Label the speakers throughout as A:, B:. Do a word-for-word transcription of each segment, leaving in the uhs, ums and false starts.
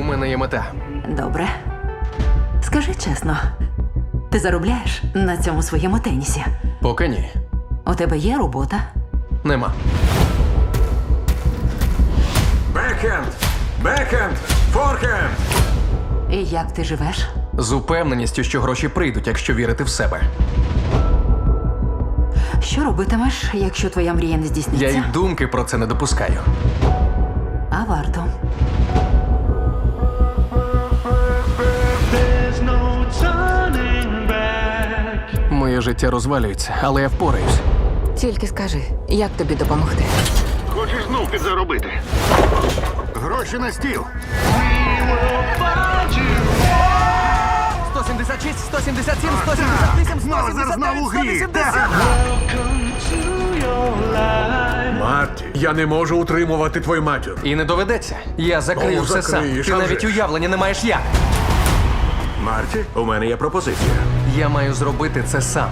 A: мене є мета.
B: Добре. Скажи чесно, ти заробляєш на цьому своєму тенісі?
A: Поки ні.
B: У тебе є робота?
A: Нема.
C: Бекхенд! Бекхенд! Форхенд!
B: І як ти живеш?
A: З упевненістю, що гроші прийдуть, якщо вірити в себе.
B: Що робитимеш, якщо твоя мрія не
A: Я
B: здійсниться?
A: й думки про це не допускаю.
B: А варто.
D: There's no turning back.
A: Моє життя розвалюється, але я впораюсь.
E: Тільки скажи, як тобі допомогти?
F: Хочеш знов підзаробити? Гроші на стіл.
A: сто сімдесят шість, сто сімдесят сім, сто сімдесят вісім,
F: Мозер знову у грі. Так.
D: To your life.
C: Марті, я не можу утримувати твою матір.
A: І не доведеться. Я закрию
C: Ну,
A: все сам.
C: закриєш,
A: Ти
C: а
A: навіть
C: вже ж.
A: уявлення не маєш як.
C: Марті, у мене є пропозиція.
A: Я маю зробити це сам.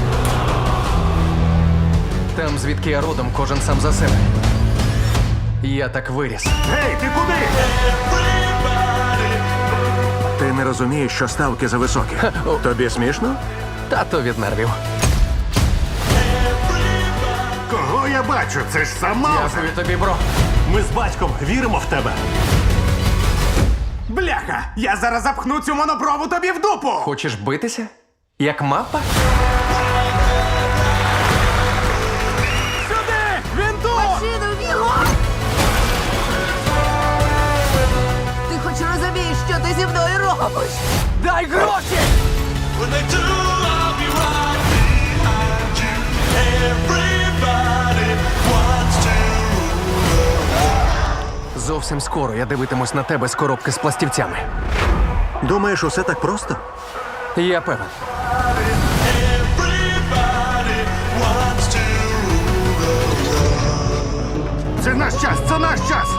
A: Там, звідки я родом, кожен сам за себе. Я так виріс.
F: Гей, ти куди?
C: Ти не розумієш, що ставки зависокі. Тобі смішно?
A: Тато від нервів.
F: Кого я бачу? Це ж сам Маузер.
A: Дякую тобі, бро.
F: Ми з батьком віримо в тебе.
G: Бляха! Я зараз запхну цю монопрову тобі в дупу!
A: Хочеш битися? Як мапа?
G: Сюди! Він тут!
E: Ти хоч розумієш, що ти зі мною робиш?
A: Дай гроші!
D: When they do, I'll be right behind you. Everybody wants to.
A: Зовсім скоро я дивитимусь на тебе з коробки з пластівцями.
C: Думаєш, усе так просто?
A: Я певен.
D: Everybody wants to.
F: Це наш час, це наш час.